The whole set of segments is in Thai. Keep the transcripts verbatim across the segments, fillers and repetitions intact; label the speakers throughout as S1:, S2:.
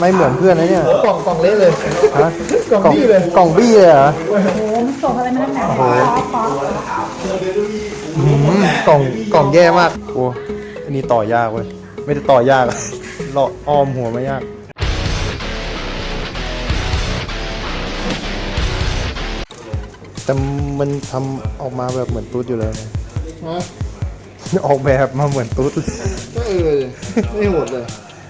S1: ไม่เหมือนเพื่อนนะเนี่ย
S2: กล่องกล่องเละเลย
S1: ฮะ
S2: กล่องบี้เลย
S1: กล่องบี้เลยเหรอ
S3: โอ้โหมันส่งอะไรมาตั้งแต่ป๊อปป๊อป
S1: กล่องกล่องแย่มากโอ้อันนี้ต่อยากเว้ยไม่ได้ต่อยากเลาะอ้อมหัวไม่ยากแต่มันทำออกมาแบบเหมือนตุ๊ดอยู่แล้วนะออกแบบมาเหมือนตุ๊ด
S2: ก็เออไม่โหดเลย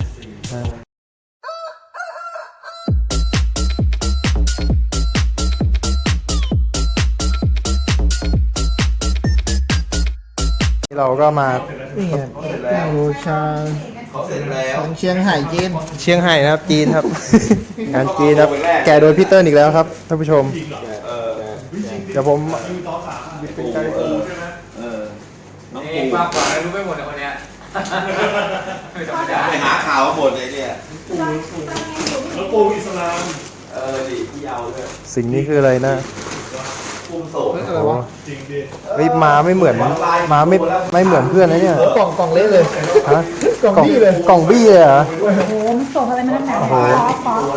S1: เราก็มา
S2: นี่ไงบูชาเชียงไห่จีน
S1: เชียงไห่นะครับจีนครับ งานจีนครับแกโดยพีเตอร์อีกแล้วครับท่านผู้ชมเดี๋ยวผม
S4: เป็นการปูใช่ไหมเออน้องปูมากกว่ารู้ไม่หมดเลยคนเนี้ยไม่ธรรมดาไปหาข่าวมาหมดเลยเนี่ยน้องปูอิสลามเออดิพี่เอาเลย
S1: สิ่งนี้คืออะไรนะ
S4: ปูโสด
S2: อะไรวะ
S1: จริงดิเฮ้ยมาไม่เหมือนมาไม่ไม่เหมือนเพื่อนนะเนี่ย
S2: กล่องกล่องเละเลย
S1: ฮะ
S2: กล่องบี้เลย
S1: กล่องบี้เลยเหรอ
S3: โอ้โหมันส่งอะไรมาตั้งแต่ป๊อปป๊อป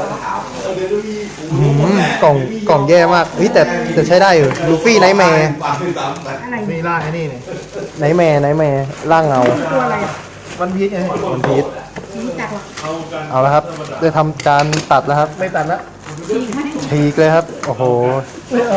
S1: กล่องกล่องแย่มากเฮ้ยแต่แต่ใช้ได้อยู่ลูฟี่ไนท์แมร์
S3: อะไร
S2: มีล่าไอ้นี่นี่
S1: ไนท์แมร์ไนท์แมร์ร่างเงา
S3: ตัวอะไร
S2: วันพีชไง
S1: วันพีช
S3: รู้จักหรอ
S1: เอาละครับได้ทำการตัดแล้วครับ
S2: ไม่ตัดแล้ว
S1: ฉีกเลยครับโอ้โห
S2: ไม่เอา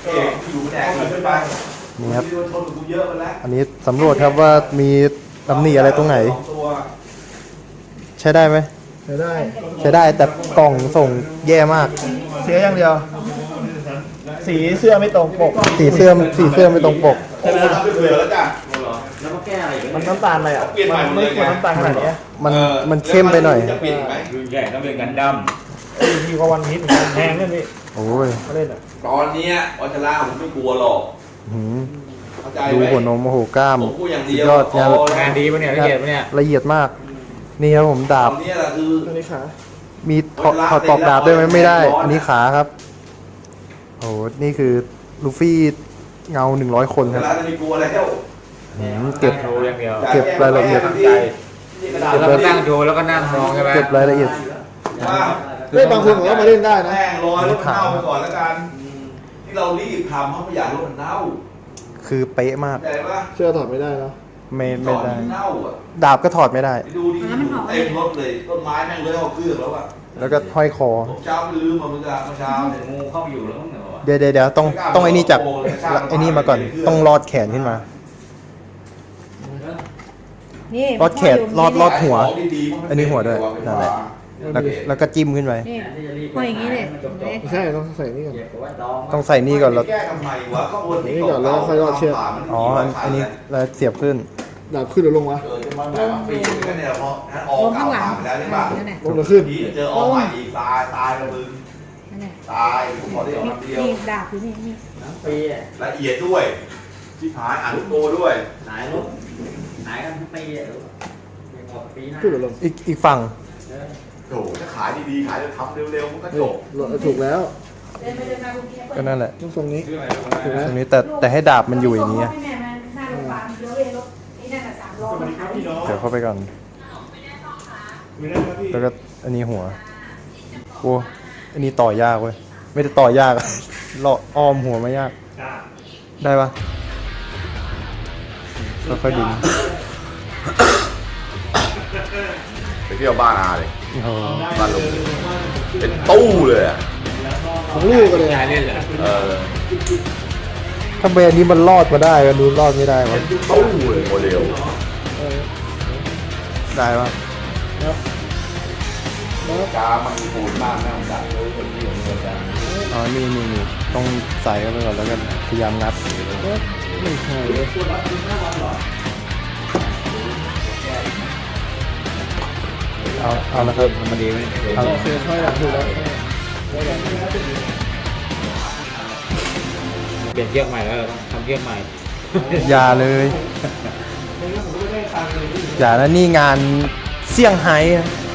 S1: นี่ครับอันนี้สำรวจครับว่ามีตำหนิอะไรตรงไหนใช้ได้ไหม
S2: ใช้ได้
S1: ใช้ได้แต่กล่องส่งแย่มาก
S2: เสียอย่างเดียวสีเสื้อไม่ตรงปก
S1: สีเสื้อสีเสื้อไม่ตรงปก
S4: ใช่ไหมเบื่อแล้วจ้ะแล้วก็แก้อะไร
S2: มันน้ำตาลอะไรอ่ะมันไม่ควรน้ำตาลขนาดนี้
S1: มันมันเข้มไปหน่อย
S4: จะเปลี่ยนไหมรุ่นใหญ่ต้องเป็นกันด
S2: ำดีกว่าวันพีชแพงเลยพี่
S1: โอ้ย
S2: มาเล่นอ่ะ
S4: ตอนนี้วัชระผมไม่กลัวหรอก
S1: ดูหัวนมโอ้โหกล้ามยอดงาน
S4: งานดีปะเนี่ยละเอียดปะเนี่ย
S1: ละเอียดมากนี่ครับผมดาบ
S4: นี่แหละคือ
S2: อันนี้ขา
S1: มีถอดถอดปลอกดาบได้ไหมไม่ได้อันนี้ขาครับโอ้นี่คือลูฟี่เงาหนึ่งร้อยคนครับ
S4: จะไม่กลัวแล้ว
S1: เก็บเก็บรายละเอียด
S4: เก็บนั่งดูแล้วก็นั่งมองใช่ไหม
S1: เก็บรายละเอียด
S2: เล่นบางคนผมก็มาเล่นได้นะ
S4: แป้งลอยรถเน่าไปก่อนแล้วกันที่เรารีบทำเพราะไม่อยากรถมันเน่า
S1: คือเป๊ะมาก
S2: เชื่อถอดไม่ได้แล้ว
S1: ไม่ไม่ได้ดาบก็ถอดไม่ได้
S4: ดูดิเต็มรถเลยต้นไม้แม่งเลยเอาเครื่องแล้วอะ
S1: แล้วก็ห้อยคอ
S4: เช้าลืมมาเมื่อเช้างูเข้าอยู่แล้วมั้ง
S1: เดี๋ยวเดี๋ยวต้องต้องไอ้นี่จากไอ้นี่มาก่อนต้องรอดแขนขึ้นมาลอดแขนลอดลอดหัวอันนี้หัวด้วยนั่นแหละแล้วก็จิ้มขึ้นไป
S3: พออย่างนี้เลย
S2: ใช่ต้องใส่นี่ก่อน
S1: ต้องใส่นี่ก่อนแล้ว
S2: นี่ก่อนแล้วค่อยรอดเชือก
S1: อ๋ออันนี้แล้วเสียบขึ้น
S2: ดาบขึ้นหรือลงวะ
S3: ลงข้างหลัง
S2: ลงหรือขึ้น
S4: เจอออกใหม่อีกตายตายระบึงตายผมขอได้ออกน้ำเดียว
S3: นี่ดาบอยู่นี่นี่
S4: ละเอียดด้วยที่หายอ่านลูกโตด้วย
S5: หายลูกหายกันทั้งปีอ่ะ
S2: ขึ้นหรือลง
S1: อีกอีกฝั่ง
S4: โอ้ถ้าขายดีๆขายจะทำเร็วๆมันก็จบ
S2: ถูกแล้ว
S1: ก็นั่นแหละ
S2: ตรงนี้
S1: ตรงนี้แต่แต่ให้ดาบมันอยู่อย่างนี้เดี๋ยวเข้าไปก่อนแล้วก็อันนี้หัวโอ้อันนี้ต่อยากเว้ยไม่ได้ต่อยากเลาะอ้อมหัวไม่ยากได้ปะค่อยๆดึง
S4: ไปเที่ยวบ้านอาเลยบ้านลุงเป็นตู้เลยอ่ะ
S2: ของลูกกันเลย
S5: เล่นเหรอ
S4: เออ
S1: ถ้าเบนนี้มันรอดมาได้ก็ดูรอดไม่ได้วะ
S4: ตู้เลยโมเดล
S1: ได้ปะ
S4: กามันปูนมากน่าจัดเลยคนที่อยู่ในกา
S1: อ๋อนี่นี่นี่ต้องใส่เข้าไปก่อนแล้วก็พยายามงัด
S2: ไม่ใช่
S1: เอาเอาละครับ
S5: มันดีไหม
S2: เอาเสียค่อยหลังถูกแล้ว
S5: เปลี่ยนเชือกใหม่แล้วทำเชือกใหม่
S1: อย่าเลยอย่านะนี่งานเซี่ยงไฮ้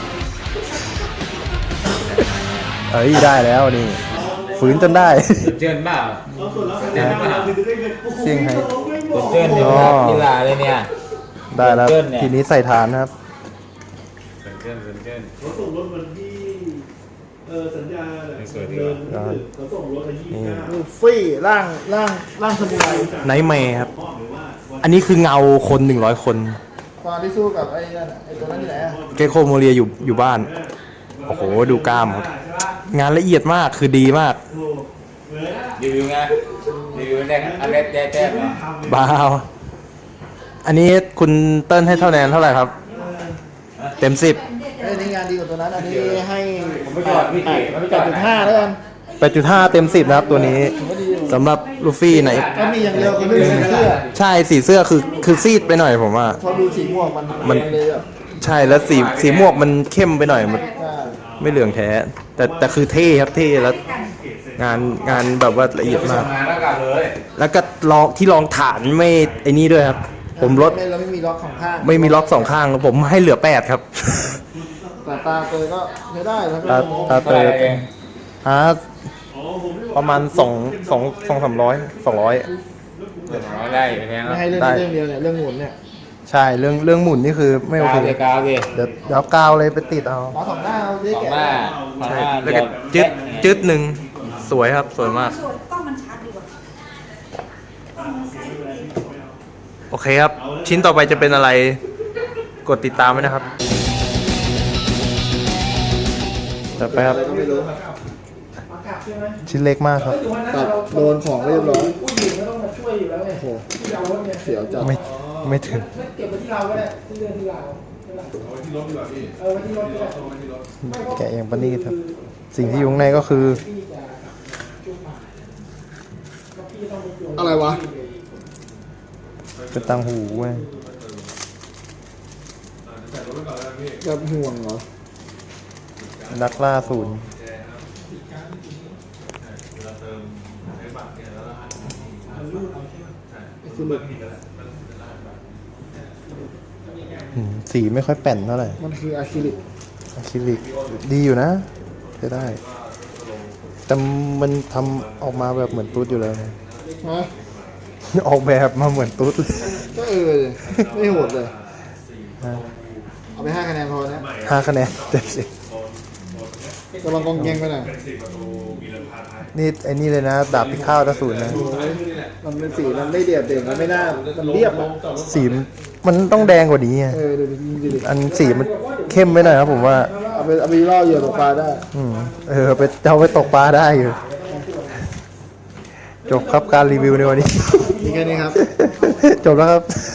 S1: เอ้ยได้แล้วนี่ฝืนจนได้
S5: เจิ้นบ้าเจิ้นบ้า
S1: เซี่ยงไฮ้
S5: เจิ้นอยู่กีฬาเลยเนี่ย
S1: ได้แล้วทีนี้ใส่ฐานครับ
S5: เจิ้นเจิ้น
S4: รถส่งรถวันที่
S6: เออสัญญา
S5: สวยดี
S6: เดิน
S5: ว่ะ
S6: เขาส่งรถมายี่สิบเก้า
S2: ลูฟี่ร่างร่างร่างสมุไร
S1: ไนท์แมร์ครับ อันนี้คือเงาคนหนึ่งร้อยคน
S2: ตอนที่สู้กับไอ้นั่นอะไอ้ตัวนั้นที่ไหนอะ
S1: เกโคโมเรียอยู่อยู่บ้าน โอ้โห ดูกล้ามครับ งานละเอียดมากคือดีมาก
S5: รีวิวไงรีวิวได้อะไรได้แต้มเหรอ
S1: บ้าว อันนี้คุณเติ้ลให้เท่าแนนเท่าไหร่ครับ เต็มสิบ
S2: ไอ้นี่งานดีกว่าตัวนั้น อันนี้ให้
S5: ผมไม่จอดพี่เก๋ผมไม่จ
S2: แป
S5: อ
S2: ด
S5: ด
S2: จุดห้าแล้วกัน
S1: แปดจุดห้าเต็มสิบนะครับตัวนี้สำหรับลูฟี่ไหน
S2: ก็มีอย่างเดียวคือเรื่องสีเสื้อ
S1: ใช่สีเสื้อคือคือซีดไปหน่อยผมว่า
S2: พอดูสีม่วงมัน
S1: มัน
S2: เลยแบบ
S1: ใช่แล้วสีสีม่วงมันเข้มไปหน่อยมัน
S2: อ่า
S1: ไม่เหลืองแท้ แต่แต่คือเท่ครับเท่แล้ว งานงานแบบว่าละเอียดมาก
S5: งานแล้วกลับเลย
S1: แล้วก็ลองที่รองฐานไม่ไอ้นี่ด้วยครับ ผมลด
S2: ไม่เราไม่มีล็อกของข้าง
S1: ไม่มีล็อกสองข้างผมให้เหลือแปดครับ
S2: แต่ตาเตยก็ใช้ได้แล้ว
S1: ตา
S2: ก็
S1: ตาเตยฮะประมาณสองสองสองสามร้อยสองร้อย
S5: ร้อยไร่ไปแพง
S2: ไม่
S5: แล้ว
S2: ให้เรื่อง
S1: ได้
S2: นี้เรื่องเดียวเนี่ยเรื่องหมุนเนี่ย
S1: ใช่เรื่องเรื่องหมุนนี่คือไม่โอเค
S5: กาวเลยกาวเลย
S1: เดี๋ยวเดี๋ยวเอากาวเลยไปติดเอา
S2: ล้อสองหน้าเอาได้
S5: สอง
S2: แก่
S5: หน้าสอง
S1: ใช่
S5: หน้า
S1: แล้วก็จึ๊ดจึ๊ดหนึ่งสวยครับสวยมาก
S3: สวยกล้องมันชัดดีกว่า
S1: โอเคครับ ชิ้นต่อไปจะเป็นอะไรกดติดตามไว้นะครับจัดไปครับ
S2: ก็ไม่รู้
S1: ชิ้นเล็กมากครับ
S2: ตัดโดนของเรียบร้อยผู้หญิงก็ต้องมาช่วยอยู่แล้วไงโอ้โหเสียวจัด
S1: ไม่ไม่ถึง
S2: เก็บไว้ที่เราก็ได้ที่เรื่องที่เราเอาไว้ที่รถดีกว่าพี่เออไว้ที่รถดีกว่า
S1: แกะอย่างปนีตครับ สิ่งที่อยู่ข้างในก็คือ
S2: อะไรวะ
S1: กระตังหูเว้ย
S2: กับห่วงเหรอ
S1: นักล่าศูนย์
S2: คือหมึก
S1: อืมสีไม่ค่อยแป่นเท่าไหร่
S2: มันคืออะคริลิก
S1: อะคริลิกดีอยู่นะใช้ได้ แต่มันทำออกมาแบบเหมือนตุ๊ดอยู่แล้วนะ
S2: ฮะ
S1: ออกแบบมาเหมือนตุ๊ดเลย
S2: ก็เออเลยไม่โหดเลย เอาไปห้าคะแนนพอนะ
S1: ห้าคะแนนเต็มสิบ
S2: กำลังกองแกงไปหน่อย
S1: นี่ไอ้นี่เลยนะ ดาบพิฆาตอสูรนะ
S2: มันเป็นสีมันไม่เดียดเด่นมันไม่น่ามันเรียบอะ
S1: สีมันต้องแดงกว่านี้ไง
S2: เออดูดิดูดิ
S1: อันสีมันเข้มไปหน่อยครับผมว่า
S2: เอาไปเอาไปล่อเหยื่อตกปลาได้
S1: อืมเออไปเอาไปตกปลาได้อยู่ จบครับการรีวิวในวันนี้
S2: มีแค่นี้ครับ
S1: จบแล้วครับ